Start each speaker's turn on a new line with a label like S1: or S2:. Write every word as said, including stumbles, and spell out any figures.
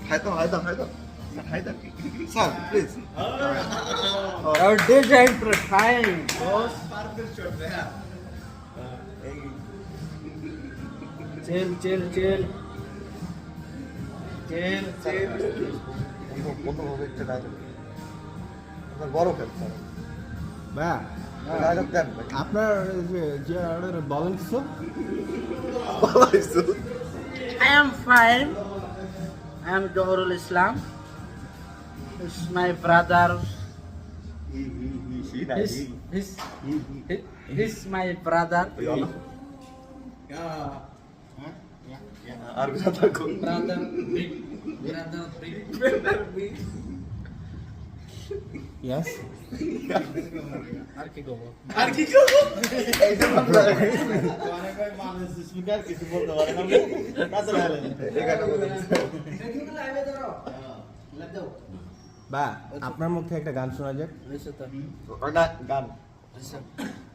S1: হায়দাম হায়দাম হায়দাম হায়দাম sir please
S2: Our design for time, boss. Chill, chill, chill. Chill, chill.
S1: কত হবে একটা ডায়লগ আপনার বড় খেল স্যার
S2: বা
S1: ডায়লগ দেন ভাই
S2: আপনার যে যে অর্ডার বলেন কিছু
S1: বলাইছো
S3: I am fine. I am Johorul Islam. This is my brother.
S1: হি হি হি হি না
S3: He's,
S1: হি
S3: he's, he's my brother.
S1: আর কথা কোন
S3: Brother big. Brother big. Brother big.
S2: Yes.
S3: আর কি করব?
S1: আর কি করব এইটা ভাবনা
S2: অনেক ভাই মানুষ স্পিকার কিছু বলতে পারে না কাছে লাগালেন
S1: এখানে বলেন
S2: বা আপনার মুখ থেকে একটা গান শোনা যাক
S3: Listen to.
S1: ওটা গান
S3: Listen.